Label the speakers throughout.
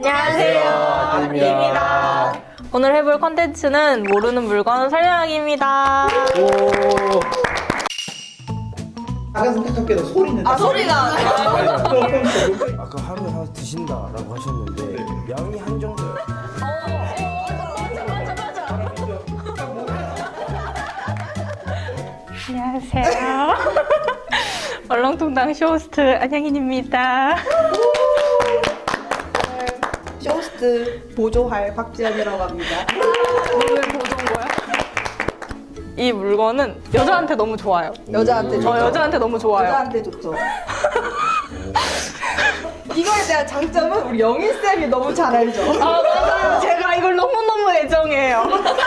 Speaker 1: 안녕하세요, 아들입니다. 오늘 해볼 컨텐츠는 모르는 물건 설명하기입니다.
Speaker 2: 작은 손톱깎이도 소리는
Speaker 1: 소리가
Speaker 3: 아까 하루에 하나 드신다라고 하셨는데 양이 한정돼요.
Speaker 1: 안녕하세요. 얼렁뚱땅 쇼호스트 안양인입니다.
Speaker 4: 쇼호스트 보조할 박지연이라고 합니다.
Speaker 1: 오늘 보던 거야? 이 물건은 여자한테 너무 좋아요.
Speaker 4: 여자한테 좋죠.
Speaker 1: 여자한테 너무 좋아요.
Speaker 4: 여자한테 좋죠. 이거에 대한 장점은 우리 영일쌤이 너무 잘 알죠.
Speaker 1: 아, 맞아요. 제가 이걸 너무너무 애정해요.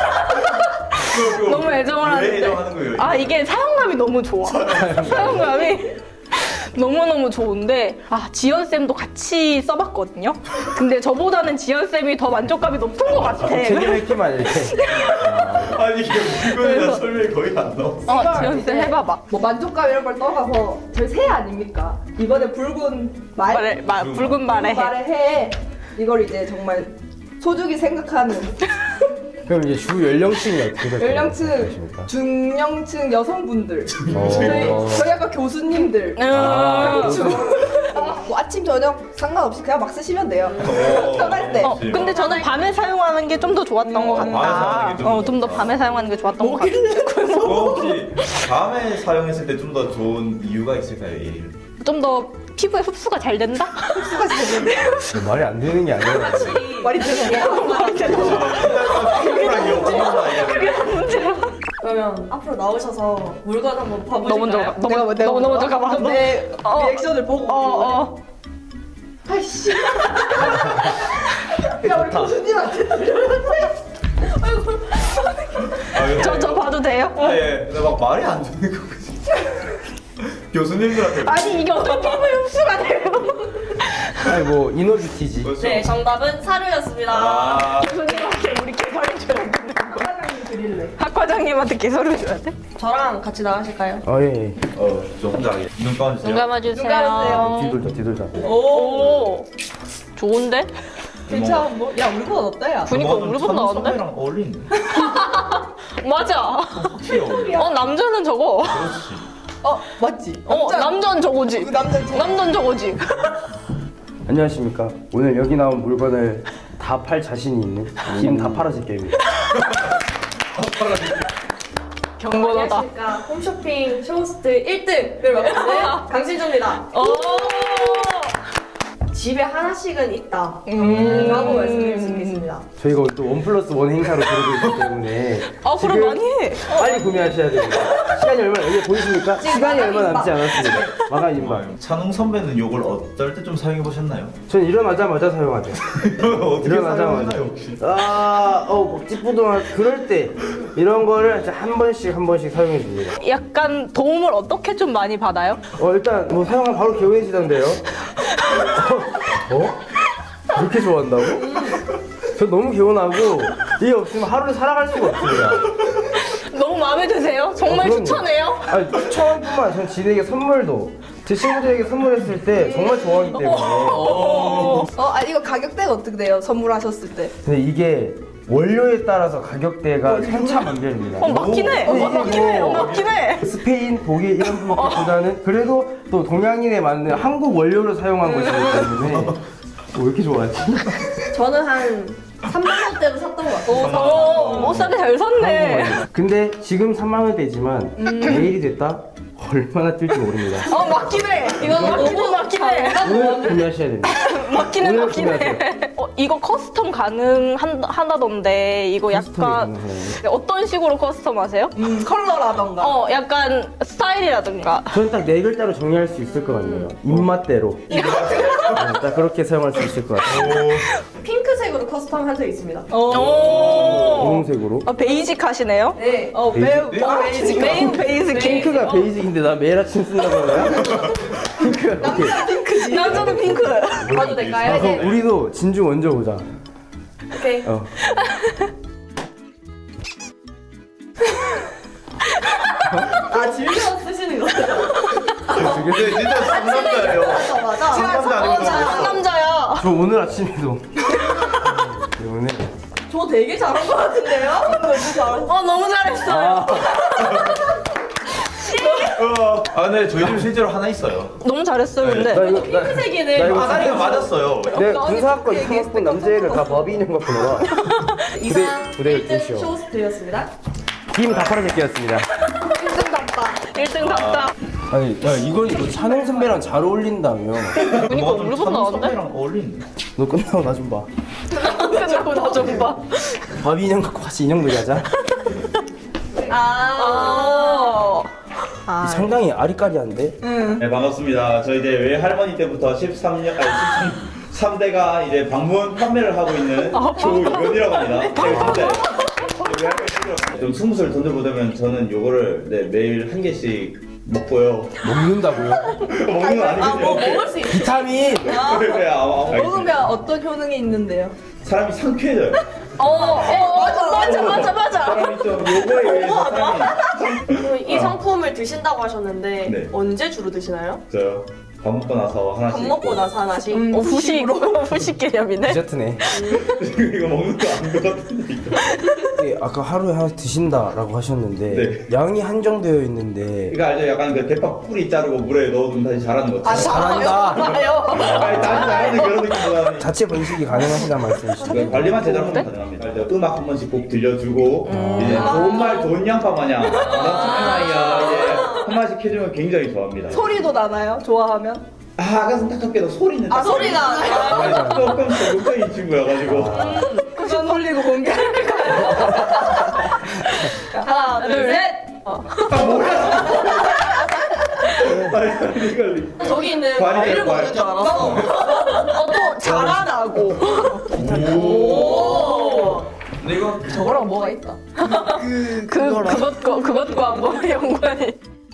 Speaker 1: 너무 애정을 하는데.
Speaker 2: 애정하는 거예요?
Speaker 1: 아, 이게 사용감이 너무 좋아. 사용감이 너무너무 좋은데, 지연쌤도 같이 써봤거든요? 근데 저보다는 지연쌤이 더 만족감이 높은 것 같아.
Speaker 3: 챙겨뵙기만 이렇게.
Speaker 2: 아니 이게 물건에 대한 설명이 거의 안 나와.
Speaker 1: 지연쌤 해봐봐.
Speaker 4: 뭐 만족감 이런 걸 떠나서 저희 새 아닙니까? 이번에 붉은 말,
Speaker 1: 붉은 말에.
Speaker 4: 말의 해 이걸 이제 정말 소중히 생각하는
Speaker 3: 그럼 이제 주 연령층이 어떻게 될까요?
Speaker 4: 연령층, 중령층 여성분들
Speaker 3: 어.
Speaker 4: 저희 아까 교수님들 뭐 아침 저녁 상관없이 그냥 막 쓰시면 돼요. 편할 때.
Speaker 1: 근데 저는 밤에 사용하는 게 좀 더 좋았던 것
Speaker 2: 밤에
Speaker 1: 같다.
Speaker 2: 사용하는 게 좀
Speaker 1: 좀 더 밤에 사용하는 게 좋았던 것 같아.
Speaker 2: 혹시 밤에 사용했을 때 좀 더 좋은 이유가 있을까요? 예를
Speaker 1: 좀 더 피부에 흡수가 잘 된다?
Speaker 4: 수가 되는데
Speaker 3: 말이 안 되는 게 아니라
Speaker 4: 말이 되는
Speaker 1: 말이 되는
Speaker 5: 그러면 앞으로 나오셔서 물건 한번
Speaker 1: 너 먼저
Speaker 5: 봐보실까요?
Speaker 1: 가. 너 먼저 가봐.
Speaker 4: 내
Speaker 1: 어.
Speaker 4: 리액션을 보고 아이씨 야 우리 교수님한테
Speaker 1: 저 봐도 돼요?
Speaker 2: 예, 근데 막 말이 안 되는 거지. 교수님들한테.
Speaker 1: 아니 이게 어떻게 피부에 흡수가 돼요?
Speaker 3: 아니 뭐 이너뷰티지.
Speaker 2: 그렇죠.
Speaker 5: 네, 정답은 사료였습니다.
Speaker 2: 아,
Speaker 1: 교수님한테 우리 개설해줘야 돼.
Speaker 4: 사장님 드릴래.
Speaker 1: 학과장님한테 개설해줘야 돼?
Speaker 5: 저랑 같이 나가실까요?
Speaker 3: 예.
Speaker 2: 저 혼자 하게. 눈 감아주세요.
Speaker 1: 눈 감아주세요.
Speaker 4: 눈 감으세요.
Speaker 3: 뒤돌자.
Speaker 1: 오, 좋은데?
Speaker 4: 괜찮은 뭐? 야 우리 건 어때요?
Speaker 1: 그니까 우리 건 나왔는데?
Speaker 2: 찬성이랑 어울리네.
Speaker 1: 맞아.
Speaker 2: 확실히 어울려.
Speaker 1: 남자는 저거.
Speaker 2: 그렇지.
Speaker 4: 맞지?
Speaker 1: 남자는 저거지.
Speaker 4: 남자는 저거.
Speaker 1: 남자는 저거지.
Speaker 3: 안녕하십니까. 오늘 여기 나온 물건을 다 팔 자신이 있는 김 다 팔아줄 게임입니다.
Speaker 1: 경건하다.
Speaker 5: 안녕하십니까. 홈쇼핑 쇼호스트 1등을 맡고 있는 강신조입니다. 집에 하나씩은 있다 라고 말씀드릴 수 있겠습니다.
Speaker 3: 저희가 오늘 또 1+1 행사로 들고 있기 때문에
Speaker 1: 그럼
Speaker 3: 지금
Speaker 1: 많이 해.
Speaker 3: 빨리 구매하셔야 됩니다. 시간이 얼마 여기 보이십니까? 시간이 얼마 남지 않았습니다. 마감 임박.
Speaker 2: 찬웅 선배는 요걸 어떨 때 좀 사용해 보셨나요?
Speaker 3: 전 일어나자마자 사용하죠.
Speaker 2: 어떻게
Speaker 3: 일어나자마자.
Speaker 2: 사용하나요 혹시?
Speaker 3: 막 찌뿌둥한 그럴 때 이런 거를 이제 한 번씩 사용해 줍니다.
Speaker 1: 약간 도움을 어떻게 좀 많이 받아요?
Speaker 3: 일단 뭐 사용하면 바로 개운해지던데요. 그렇게 좋아한다고? 전 너무 개운하고 이게 없으면 하루를 살아갈 수가 없습니다.
Speaker 1: 너무 마음에 드세요? 정말
Speaker 3: 그럼요.
Speaker 1: 추천해요?
Speaker 3: 아니 추천뿐만 아니라 전 지인에게 선물도 제 친구들에게 선물했을 때 정말 좋아하기 때문에.
Speaker 4: 이거 가격대가 어떻게 돼요? 선물하셨을 때.
Speaker 3: 근데 이게 원료에 따라서 가격대가 천차만별입니다.
Speaker 1: 맞긴 해. 맞긴 해.
Speaker 3: 스페인, 독일 이런 것보다는 그래도 또 동양인에 맞는 한국 원료를 사용한 것이기 때문에 왜 이렇게 좋아하지?
Speaker 5: 저는 한 3만 원대로 샀던 것 같아요.
Speaker 1: 싸게 잘 샀네.
Speaker 3: 근데 지금 3만 원대지만 내일이 됐다? 얼마나 뛸지 모릅니다.
Speaker 1: 맞긴 해. 이건 맞긴 해.
Speaker 3: 오늘 구매하셔야 됩니다.
Speaker 1: 맞긴
Speaker 3: 오늘
Speaker 1: 해.
Speaker 3: 구매하세요.
Speaker 1: 이거 커스텀 가능하다던데 이거 약간
Speaker 3: 커스텀이 가능해요.
Speaker 1: 어떤 식으로 커스텀 하세요?
Speaker 4: 컬러라던가.
Speaker 1: 약간 스타일이라든가.
Speaker 3: 저는 딱 네 글자로 정리할 수 있을 것 같네요. 입맛대로. 딱 그렇게 사용할 수 있을 것 같아요.
Speaker 5: 핑크색으로 커스텀 한 적 있습니다.
Speaker 3: 분홍색으로.
Speaker 1: 베이직 하시네요?
Speaker 5: 네.
Speaker 3: 베이직?
Speaker 1: 메인 베이직.
Speaker 3: 핑크가 베이직인데 나 매일 아침 쓴다고 하냐? 핑크. 오케이.
Speaker 1: 남자는 핑크.
Speaker 5: 봐도 될까요?
Speaker 3: 그럼 우리도 진주 먼저 보자.
Speaker 5: 오케이.
Speaker 4: 즐겨 쓰시는 거.
Speaker 2: 근데 진짜 상남자예요.
Speaker 4: 맞아.
Speaker 2: 상남자 아니고
Speaker 1: 상남자야.
Speaker 3: 저 오늘 아침에도 때문에
Speaker 5: 저 되게 잘한 것 같은데요?
Speaker 1: 너무 잘했어요.
Speaker 2: 근데 저희 집 실제로 하나 있어요.
Speaker 1: 너무 잘했어요, 근데.
Speaker 3: 나 이거
Speaker 5: 핑크색이네.
Speaker 3: 나 이거
Speaker 2: 아다리가 맞았어요.
Speaker 3: 내 군사학과 이상학번 남자애를 다 법이 있는 것 같구나.
Speaker 5: 이상
Speaker 3: 부대
Speaker 5: 1등
Speaker 3: 쇼.
Speaker 5: 쇼호스트였습니다.
Speaker 3: 김 다파라새끼였습니다.
Speaker 1: 1등답다.
Speaker 3: 아니, 야 이거 찬홍 선배랑 잘 어울린다며.
Speaker 1: 그니까 우리보다 나은데?
Speaker 2: 선배랑 어울리는데.
Speaker 3: 너 끝나고 나 좀 봐.
Speaker 1: 끝나고 나 좀 봐.
Speaker 3: 바비 인형 갖고 같이 인형놀이 하자. 상당히 아리까리한데?
Speaker 2: 네, 반갑습니다. 저 이제 외할머니 때부터 13대가 이제 방문 판매를 하고 있는 조이건이라고 합니다. 네, 근데 좀 20살 돈 들보다면 저는 요거를 매일 한 개씩 먹고요.
Speaker 3: 먹는다고요?
Speaker 2: 먹는 건 아니거든요.
Speaker 5: 먹을 수 있어.
Speaker 3: 비타민!
Speaker 2: 네, 알겠습니다.
Speaker 4: 먹으면 어떤 효능이 있는데요?
Speaker 2: 사람이 상쾌해져요.
Speaker 1: 맞아.
Speaker 2: 사람이 좀 요거에 의해서 사람이
Speaker 5: 이 상품을 드신다고 하셨는데
Speaker 2: 네.
Speaker 5: 언제 주로 드시나요?
Speaker 2: 저요. 밥 먹고 나서 하나씩.
Speaker 5: 밥 먹고 나서 하나씩?
Speaker 1: 후식 개념이네.
Speaker 3: 디저트네.
Speaker 2: 이거 먹는 거 아닌 것 같은데 이거.
Speaker 3: 네, 아까 하루에 하나 드신다라고 하셨는데
Speaker 2: 네.
Speaker 3: 양이 한정되어 있는데
Speaker 2: 이거 알죠? 약간 그 대파 뿌리 자르고 물에 넣어두면 다시 자라는 거죠.
Speaker 3: 잘한다.
Speaker 2: 아니, 다시 자라는 그런 느낌보다는
Speaker 3: 자체 번식이 가능하시단 말씀이시죠?
Speaker 2: 그 관리만 제대로 하면 가능합니다. 이제 음악 한 번씩 꼭 들려주고 이제 좋은 말 좋은 양파 마냥 넌 착한 아이야 이제 한 마디씩 해주면 굉장히 좋아합니다.
Speaker 4: 소리도 나나요? 좋아하면?
Speaker 2: 안타깝게도 소리는
Speaker 5: 소리가
Speaker 2: 조금 적극적인 친구여가지고
Speaker 4: 그건 돌리고 공개할까요?
Speaker 5: 하나 둘셋 저기 있는 과일을 먹는 줄 알았어.
Speaker 1: 또 자라나고.
Speaker 2: 근데 이거
Speaker 4: 저거랑 뭐가 있다?
Speaker 1: 그것과 뭐 연관이.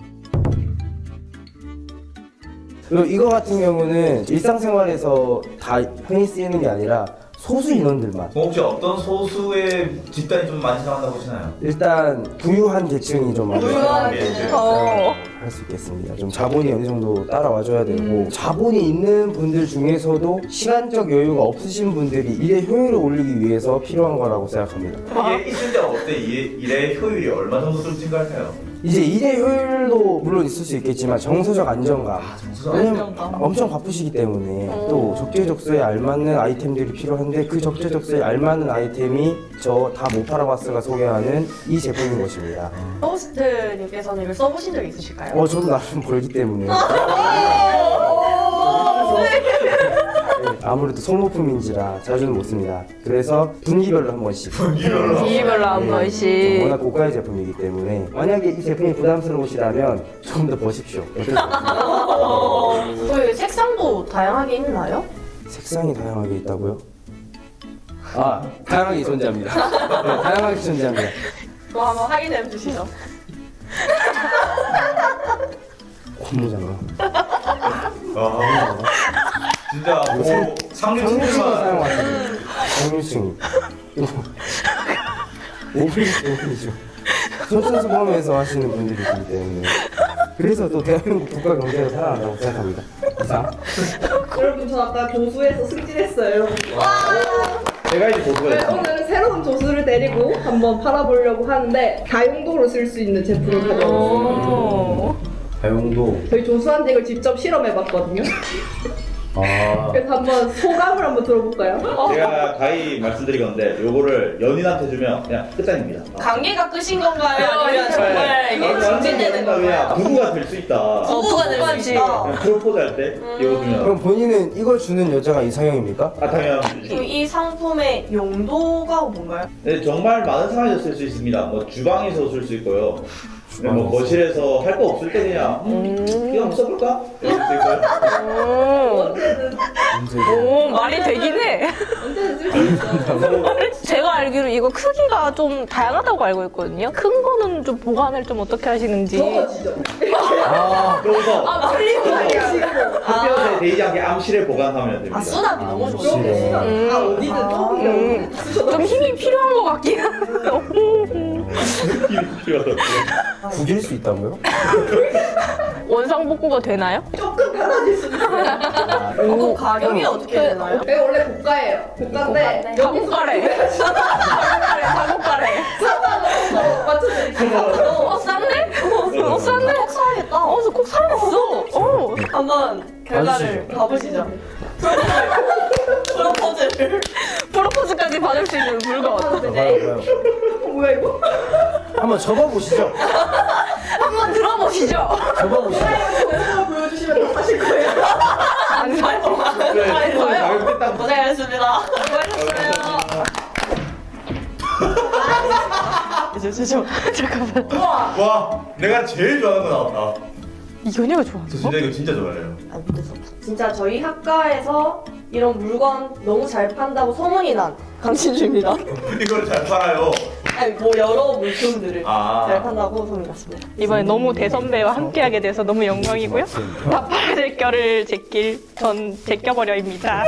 Speaker 3: 그리고 이거 같은 경우는 일상생활에서 다 흔히 쓰이는 게 아니라 소수 인원들만
Speaker 2: 혹시 어떤 소수의 집단이 좀 많이 사용한다고 보시나요?
Speaker 3: 일단 부유한 계층이 좀 많이
Speaker 2: 부유한 계층.
Speaker 3: 할 수 있겠습니다. 좀 자본이 어느 정도 따라와줘야 되고 자본이 있는 분들 중에서도 시간적 여유가 없으신 분들이 일의 효율을 올리기 위해서 필요한 거라고 생각합니다.
Speaker 2: 이게 있을 때는 어때? 일의 효율이 얼마 정도 좀 증가할까요?
Speaker 3: 이제 일의 효율도 물론 있을 수 있겠지만 정서적 안정감. 왜냐면 엄청 바쁘시기 때문에 또 적재적소에 알맞는 아이템들이 필요한데 그 적재적소에 알맞는 아이템이 저 다 못 팔아봤어가 소개하는 이 제품인 것입니다.
Speaker 5: 호스트님께서는 이걸 써보신 적 있으실까요?
Speaker 3: 저도 나름 벌기 때문에. 네, 아무래도 소모품인지라 자주는 못 씁니다. 그래서 분기별로 한 번씩.
Speaker 1: 이별로 한 번씩.
Speaker 3: 워낙 고가의 제품이기 때문에 만약에 이 제품이 부담스러우시다면 좀 더 보십시오.
Speaker 5: 저희 색상도 다양하게 있나요?
Speaker 3: 색상이 다양하게 있다고요? 다양하게 존재합니다. 네, 다양하게 존재합니다.
Speaker 5: 그거 한번 확인해 주시죠.
Speaker 3: 고무장갑.
Speaker 2: 진짜 뭐
Speaker 3: 상류층만
Speaker 2: 상류층만
Speaker 3: 사용하시는 상류층이. 5분이죠. 솔선수범해서 하시는 분들이 있기 때문에. 그래서 또 대한민국 국가 경제가 살아난다고 생각합니다. 이상.
Speaker 4: 여러분 저 아까 조수에서 승진했어요.
Speaker 2: 제가 이제 보수가
Speaker 4: 네,
Speaker 2: 됐습니다.
Speaker 4: 오늘은 새로운 조수를 데리고 한번 팔아보려고 하는데 다용도로 쓸 수 있는 제품을 가져왔어요.
Speaker 3: 다용도.
Speaker 4: 저희 조수한테 이걸 직접 실험해봤거든요. 그래서 한번 소감을 한번 들어볼까요?
Speaker 2: 제가 가히 말씀드리건데 요거를 연인한테 주면 그냥 끝장입니다.
Speaker 5: 관계가 끝인 건가요? 아니면 정말 이게 증진되는 건가요?
Speaker 2: 부부가 될 수 있다.
Speaker 5: 부부가 될 수 있다.
Speaker 2: 그냥 프로포즈 할 때 이거 주면
Speaker 3: 그럼 본인은 이걸 주는 여자가 이상형입니까?
Speaker 2: 당연.
Speaker 5: 그럼 이 상품의 용도가 뭔가요?
Speaker 2: 네, 정말 많은 상황에서 쓸 수 있습니다. 뭐 주방에서 쓸 수 있고요. 뭐 거실에서 할 거 없을 때 그냥 이거 한번 써볼까? 이럴 수 있고요.
Speaker 1: 오, 말이 되긴 해.
Speaker 4: 언제든 쓸 수 있어.
Speaker 1: 제가 알기로 이거 크기가 좀 다양하다고 알고 있거든요. 큰 거는 좀 보관을 좀 어떻게 하시는지.
Speaker 4: 적어지죠.
Speaker 2: 그래서 햇볕에 데이지 않게 암실에 보관하면 됩니다.
Speaker 5: 수납이 너무
Speaker 4: 그렇게
Speaker 5: 좋은데.
Speaker 4: 시간 다 어디든 조금
Speaker 1: 좀 힘이 필요한 것 같긴 한데.
Speaker 2: 필요하다.
Speaker 3: 구길 수 있다고요?
Speaker 1: 원상복구가 되나요?
Speaker 4: 조금 달라질 수 있어요.
Speaker 5: 그럼 가격이 어떻게 되나요?
Speaker 4: 여기 원래 고가예요. 고가인데
Speaker 1: 가곡가래. 가곡가래.
Speaker 4: 3만 원 맞춰드릴게요.
Speaker 1: 싼데? 싼데?
Speaker 5: 꼭 사야겠다.
Speaker 1: 꼭 사야겠어.
Speaker 5: 한번 결과를 봐보시죠. 프로포즈를.
Speaker 1: 프로포즈까지 받을 수 있는 물건.
Speaker 3: 봐요.
Speaker 4: 뭐야 이거?
Speaker 3: 한번 접어보시죠.
Speaker 1: 한번 들어보시죠.
Speaker 3: 접어보시죠.
Speaker 4: 영상을 보여주시면 다 사실 거예요.
Speaker 1: 안 사요.
Speaker 2: 네, 가격 딱
Speaker 5: 고생하셨습니다.
Speaker 1: 잠깐만.
Speaker 2: 와, 내가 제일 좋아하는 거 나왔다.
Speaker 1: 이건이가 좋아.
Speaker 2: 저 진짜 이거 진짜 좋아해요.
Speaker 5: 진짜 저희 학과에서 이런 물건 너무 잘 판다고 소문이 난 강신주입니다.
Speaker 2: 이걸 잘 팔아요.
Speaker 5: 아니 뭐 여러 물품들을
Speaker 2: 아.
Speaker 5: 잘 판다고 소문이 났습니다.
Speaker 1: 이번에 너무 대선배와 함께하게 돼서 너무 영광이고요. 나팔 제껴를 제낄 전 제껴버려입니다.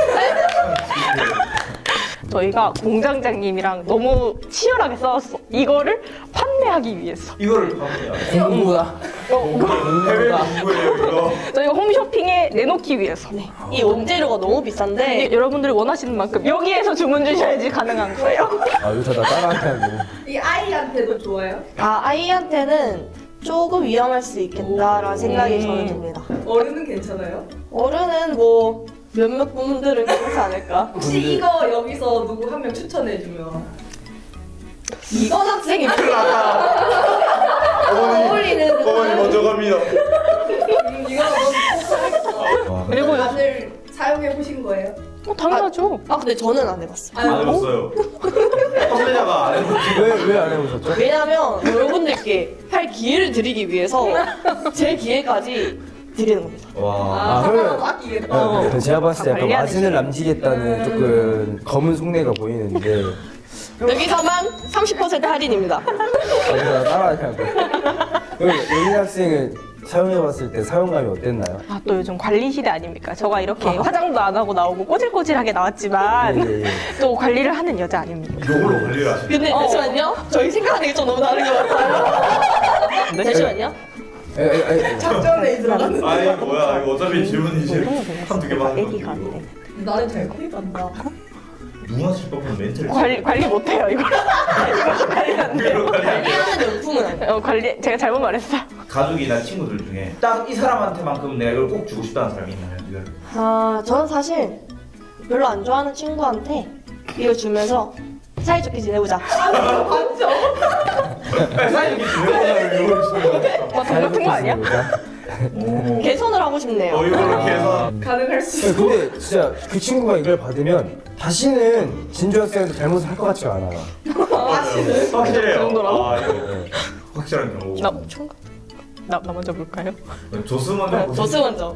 Speaker 1: 저희가 공장장님이랑 너무 치열하게 싸웠어. 이거를 판매하기 위해서.
Speaker 2: 이거를 파세요.
Speaker 3: 공부다.
Speaker 2: 해외 공부예요, 이거.
Speaker 1: 저희가 홈쇼핑에 내놓기 위해서.
Speaker 5: 이 원재료가 너무 비싼데
Speaker 1: 여러분들이 원하시는 만큼 여기에서 주문 주셔야지 가능한 거예요.
Speaker 3: 아, 이거 다 따라하고.
Speaker 4: 이 아이한테도 좋아요?
Speaker 5: 아이한테는 조금 위험할 수 있겠다라는 생각이 저는 듭니다.
Speaker 4: 어른은 괜찮아요?
Speaker 5: 어른은 뭐 몇몇 분들은 괜찮지 않을까?
Speaker 4: 혹시 이거 여기서 누구 한 명 추천해주면
Speaker 5: 이건 학생이 필요하다. 어울리는
Speaker 2: 어머니 먼저 갑니다.
Speaker 4: 이거 너무
Speaker 1: 그리고
Speaker 4: 다들 사용해보신 거예요?
Speaker 1: 당연하죠.
Speaker 5: 근데 저는 안 해봤어요.
Speaker 2: 안 해봤어요. 판매자가 안 해봤지.
Speaker 3: 왜 안 해보셨죠?
Speaker 5: 왜냐면 여러분들께 할 기회를 드리기 위해서 제 기회까지 드리는 겁니다.
Speaker 2: 와.
Speaker 3: 그러면
Speaker 4: 아끼겠다.
Speaker 3: 제가 봤을 때 약간
Speaker 1: 관리하는
Speaker 3: 마진을 남기겠다는 조금 검은 속내가 보이는데
Speaker 5: 여기서만 30% 할인입니다.
Speaker 3: 여기서 따라하냐고. 여기 학생은 사용해봤을 때 사용감이 어땠나요?
Speaker 1: 또 요즘 관리 시대 아닙니까? 저가 이렇게 화장도 안 하고 나오고 꼬질꼬질하게 나왔지만
Speaker 3: 예, 예.
Speaker 1: 또 관리를 하는 여자 아닙니까?
Speaker 2: 이걸로 관리를 하시네.
Speaker 5: 근데 잠시만요. 저희 생각하는 게 좀 너무 다른 것 같아요. 잠시만요.
Speaker 4: 작전에 들어가는.
Speaker 2: 아니 뭐야 이거 어차피 질문 이제 한두 개만 하는
Speaker 1: 애기가 안
Speaker 2: 거지.
Speaker 1: 돼.
Speaker 4: 나는 잘 커간다.
Speaker 2: 누나 실 법은 멘트를
Speaker 1: 관리 못해요 이걸. 이거 관리 안 돼요.
Speaker 2: 이걸로 관리 안 돼.
Speaker 5: 관리하는 용품은 아니에요.
Speaker 1: 관리 제가 잘못 말했어.
Speaker 2: 가족이나 친구들 중에 딱 이 사람한테만큼 내가 이걸 꼭 주고 싶다는 사람이 있나요? 이걸
Speaker 5: 저는 사실 별로 안 좋아하는 친구한테 이걸 주면서 사이좋게 지내보자.
Speaker 4: 맞죠?
Speaker 2: 사이좋게 지내보자는 이걸 주는
Speaker 1: 돈 같은 거 아니야?
Speaker 2: 오.
Speaker 5: 개선을 하고 싶네요.
Speaker 2: 이걸로 해서
Speaker 4: 가능할 수 있어.
Speaker 3: 근데 진짜 그 친구가 이걸 받으면 다시는 진주 학생한테 잘못을 할 것 같지가 않아요.
Speaker 2: 확실해요.
Speaker 1: 정도라고?
Speaker 2: 이거 확실한 경우.
Speaker 1: 나 먼저 볼까요?
Speaker 2: 조스 먼저 보세요.
Speaker 5: 조스 먼저.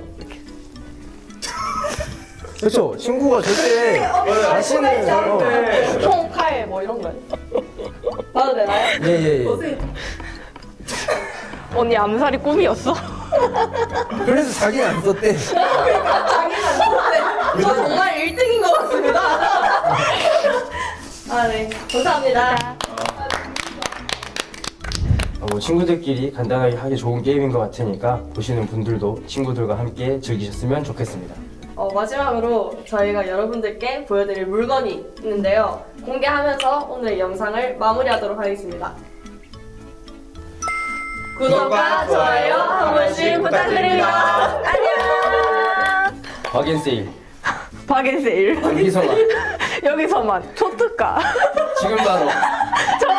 Speaker 3: 그렇죠. 친구가 절대 다시는
Speaker 2: 네.
Speaker 5: 총, 칼, 뭐 이런 거요. 봐도 되나요?
Speaker 3: 예예예.
Speaker 1: 언니 암살이 꿈이었어?
Speaker 3: 그래서 자기는 안 썼대.
Speaker 5: 저 정말 1등인 것 같습니다. 네. 감사합니다.
Speaker 3: 친구들끼리 간단하게 하기 좋은 게임인 것 같으니까 보시는 분들도 친구들과 함께 즐기셨으면 좋겠습니다.
Speaker 5: 마지막으로 저희가 여러분들께 보여드릴 물건이 있는데요. 공개하면서 오늘 영상을 마무리하도록 하겠습니다. 구독과 좋아요 한 번씩 부탁드립니다. 안녕!
Speaker 3: 박앤세일
Speaker 1: 박앤세일
Speaker 3: 여기서만
Speaker 1: 여기서만 초특가
Speaker 3: 지금 바로
Speaker 1: 저